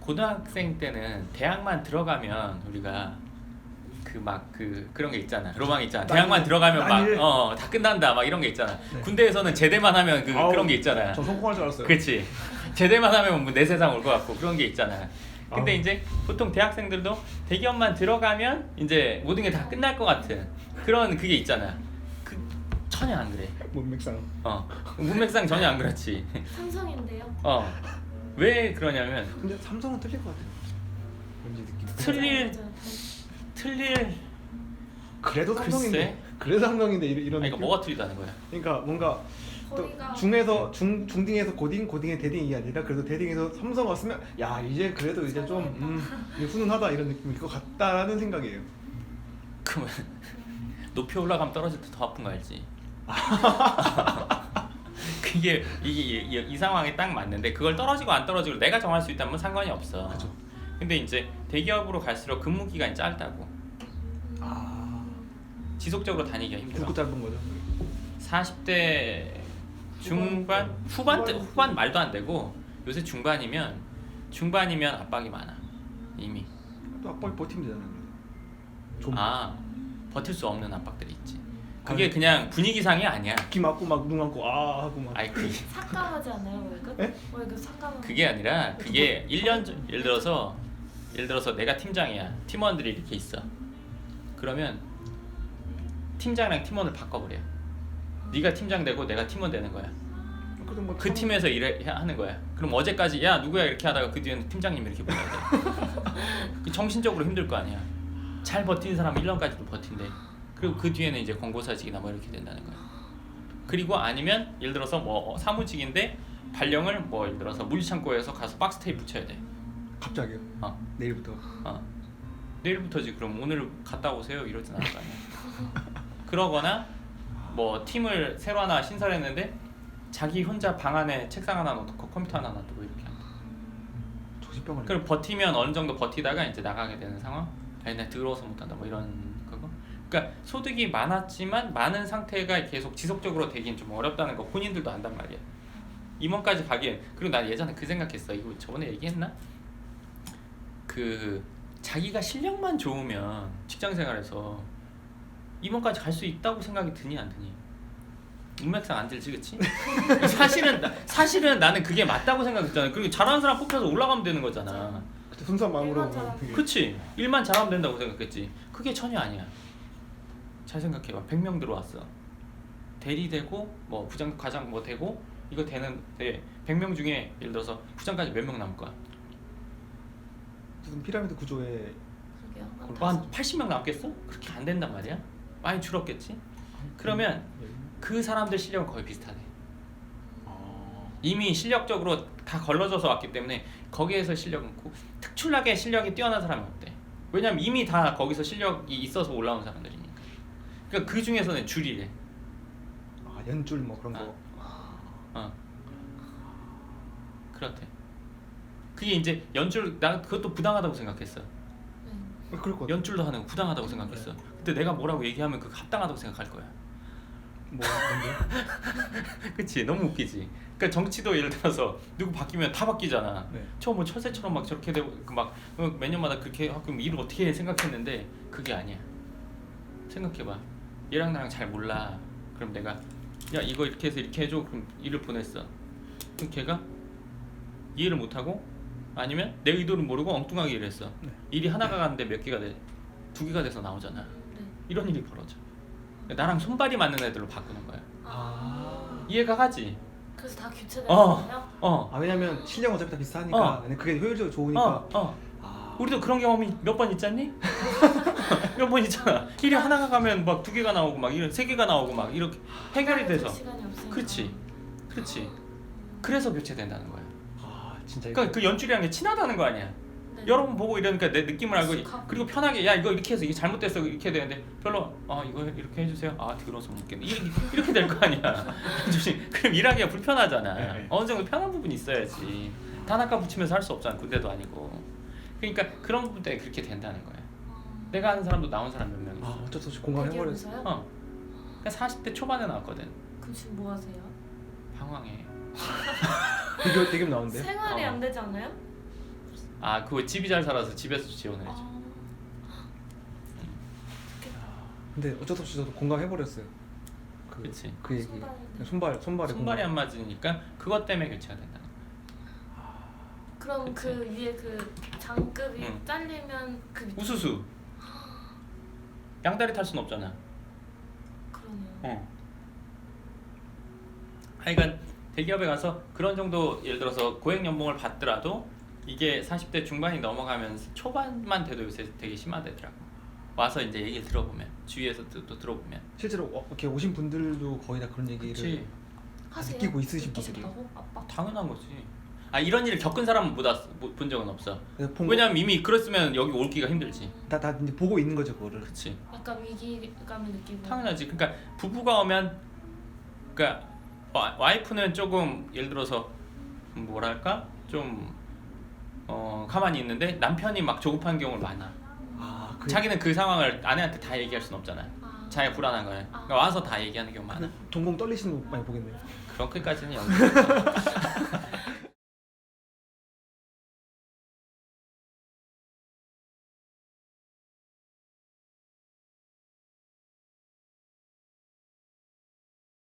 고등학생 때는 대학만 들어가면 우리가 그런 게 있잖아. 로망 있잖아. 대학만 들어가면 막 다 끝난다 막 이런 게 있잖아. 네. 군대에서는 제대만 하면 그런 게 있잖아. 저 성공할 줄 알았어요. 그렇지. 제대만 하면 뭐 내 세상 올 것 같고 그런 게 있잖아. 근데 아우. 이제 보통 대학생들도 대기업만 들어가면 이제 모든 게 다 끝날 것 같은 그런 그게 있잖아. 전혀 안 그래. 문맥상. 문맥상 전혀 안 그렇지. 삼성인데요. 왜 그러냐면 근데 삼성은 틀릴 것 같아요. 왠지 느낌. 틀릴 그래도 삼성인데. 글쎄. 그래도 삼성인데 이런. 아니, 그러니까 뭐가 틀리다는 거야? 그러니까 뭔가 또 거기가 중에서 중딩에서 고딩의 대딩이 아니라 그래도 대딩에서 삼성 왔으면 야 이제 그래도 이제 좀 이제 훈훈하다 이런 느낌일 것 같다라는 생각이에요. 그러면 높이 올라가면 떨어질 때 더 아픈 거 알지? 그게 이 상황에 딱 맞는데 그걸 떨어지고 안 떨어지고 내가 정할 수 있다면 상관이 없어. 그죠. 근데 이제 대기업으로 갈수록 근무 기간이 짧다고. 지속적으로 다니기가 힘들어. 굵고 짧은 거죠. 40대 중반 후반 말도 안 되고 요새 중반이면 압박이 많아 이미. 또 압박이 버티면 되잖아요. 좀 버틸 수 없는 압박들이 있지. 그게 그냥 분위기상이 아니야. 귀 막고 막 눈 감고 하고 막. 아니 그게 삭감하지 않아요 월급? 에? 월급 삭감. 그게 아니라 그게 1년 전 예를 들어서 내가 팀장이야. 팀원들이 이렇게 있어. 그러면 팀장이랑 팀원을 바꿔버려. 네가 팀장 되고 내가 팀원 되는 거야. 그래도 뭐 그 팀에서 하는 거야. 그럼 어제까지 야 누구야 이렇게 하다가 그 뒤에는 팀장님 이렇게 불러야 돼. 그 정신적으로 힘들 거 아니야. 잘 버티는 사람은 1년까지도 버틴대. 그리고 그 뒤에는 이제 권고사직이나 뭐 이렇게 된다는 거야. 그리고 아니면 예를 들어서 뭐 사무직인데 발령을 뭐 예를 들어서 물류창고에서 가서 박스 테이프 붙여야 돼. 갑자기요? 내일부터. 내일부터지. 그럼 오늘 갔다 오세요 이러진 않을 거 아니야. 그러거나 뭐 팀을 새로 하나 신설했는데 자기 혼자 방 안에 책상 하나 놓고 컴퓨터 하나 놔두고 이렇게 한다. 조직병을. 그럼 버티면 어느 정도 버티다가 이제 나가게 되는 상황. 아니 나 더러워서 못한다 뭐 이런 거고. 그러니까 소득이 많았지만 많은 상태가 계속 지속적으로 되긴 좀 어렵다는 거 본인들도 안단 말이야. 임원까지 가기엔. 그리고 난 예전에 그 생각했어. 이거 저번에 얘기했나? 그 자기가 실력만 좋으면 직장생활에서 임원까지 갈 수 있다고 생각이 드니 안 드니? 문맥상 안 들지, 그치? 사실은 나는 그게 맞다고 생각했잖아. 그리고 잘하는 사람 뽑혀서 올라가면 되는 거잖아. 그때 순수한 마음으로. 일만 잘하면. 그게. 그치? 일만 잘하면 된다고 생각했지. 그게 전혀 아니야. 잘 생각해봐. 100명 들어왔어. 대리되고 뭐 부장 과장 뭐 되고 이거 되는데 100명 중에 예를 들어서 부장까지 몇 명 남을 거야? 무슨 피라미드 구조에. 그러게요. 한 80명 남겠어? 그렇게 안 된단 말이야. 많이 줄었겠지? 그러면 그 사람들 실력은 거의 비슷하대. 이미 실력적으로 다 걸러져서 왔기 때문에 거기에서 실력은 특출나게 실력이 뛰어난 사람이 없대. 왜냐면 이미 다 거기서 실력이 있어서 올라온 사람들이니까. 그러니까 그 중에서는 줄이래. 연줄 뭐 그런 거. 그렇대. 그게 이제 연줄 나 그것도 부당하다고 생각했어. 그럴 것 같아. 연줄도 하는 거 부당하다고 생각했어. 근데 내가 뭐라고 얘기하면 그거 합당하다고 생각할 거야. 뭔데? 그치? 너무 웃기지. 그러니까 정치도 예를 들어서 누구 바뀌면 다 바뀌잖아. 네. 처음 뭐 철새처럼 막 저렇게 되고 막 몇 년마다 그렇게 하고 그럼 일을 어떻게 해 생각했는데 그게 아니야. 생각해봐. 얘랑 나랑 잘 몰라. 그럼 내가 야 이거 이렇게 해서 이렇게 해줘. 그럼 일을 보냈어. 그럼 걔가 이해를 못하고 아니면 내 의도를 모르고 엉뚱하게 일을 했어. 네. 일이 하나가 가는데 몇 개가 돼? 2개가 돼서 나오잖아. 이런 일이 벌어져. 나랑 손발이 맞는 애들로 바꾸는 거야. 이해가 가지? 그래서 다 교체되는 거예요? 왜냐면 실력 어차피 다 비슷하니까. 근데 그게 효율적으로 좋으니까. 우리도 그런 경험이 몇 번 있잖니? 몇 번 있잖아. 일이 하나가 가면 막 2개가 나오고 막 이런 3개가 나오고 막 이렇게 해결이 돼서. 시간이 없으니까. 그렇지. 그래서 교체된다는 거야. 진짜. 그러니까 그 연줄이란 게 친하다는 거 아니야. 네. 여러 번 보고 이러니까 내 느낌을 알고 익숙하고. 그리고 편하게 야 이거 이렇게 해서 이게 잘못됐어 이렇게 되는데 별로 이거 이렇게 해주세요. 들어서 못 겠네. 이렇게 될 거 아니야. 그럼 일하기가 불편하잖아. 네. 어느 정도 편한 부분이 있어야지. 단아까 붙이면서 할 수 없잖아. 군대도 아니고. 그러니까 그런 부분 때문에 그렇게 된다는 거야. 내가 아는 사람도 나온 사람 몇 명 있어. 어쩔 수 없이 공감해버렸어. 대기업에서요? 그러니까 40대 초반에 나왔거든. 그럼 지금 뭐 하세요? 방황해. 대기업 나오는데. 생활이 어. 안 되지 않아요? 아 그거 집이 잘 살아서 집에서 지원을 해줘. 근데 어쩔 수 없이 저도 공감해버렸어요. 그치. 그 얘기. 손발이네. 손발에 손발이 안 맞으니까 그것 때문에 교체가 된다. 그럼 그치. 그 위에 그 장급이 응. 잘리면 그 밑에 우수수. 양다리 탈 순 없잖아. 그러네요. 하여간 대기업에 가서 그런 정도 예를 들어서 고액 연봉을 받더라도 이게 40대 중반이 넘어가면서 초반만 돼도 요새 되게 심하대더라고. 와서 이제 얘기 들어보면 주위에서 또 들어보면. 실제로 이렇게 오신 분들도 거의 다 그런 얘기를 그치. 하세요? 느끼고 있으신 느끼셨다고? 아빠? 당연한 거지. 아 이런 일을 겪은 사람은 본 적은 없어. 본 왜냐면 이미 그랬으면 여기 올기가 힘들지. 다 이제 보고 있는 거죠 그거를. 그치. 약간 위기감을 느끼고. 당연하지. 그러니까 부부가 오면 그러니까 와이프는 조금 예를 들어서 뭐랄까 좀 가만히 있는데 남편이 막 조급한 경우가 많아. 아, 자기는 그 상황을 아내한테 다 얘기할 순 없잖아. 아. 자기가 불안한 거야. 그러니까 와서 다 얘기하는 경우 많아. 동공 떨리시는 거 많이 보겠네요. 그렇게까지는 연습.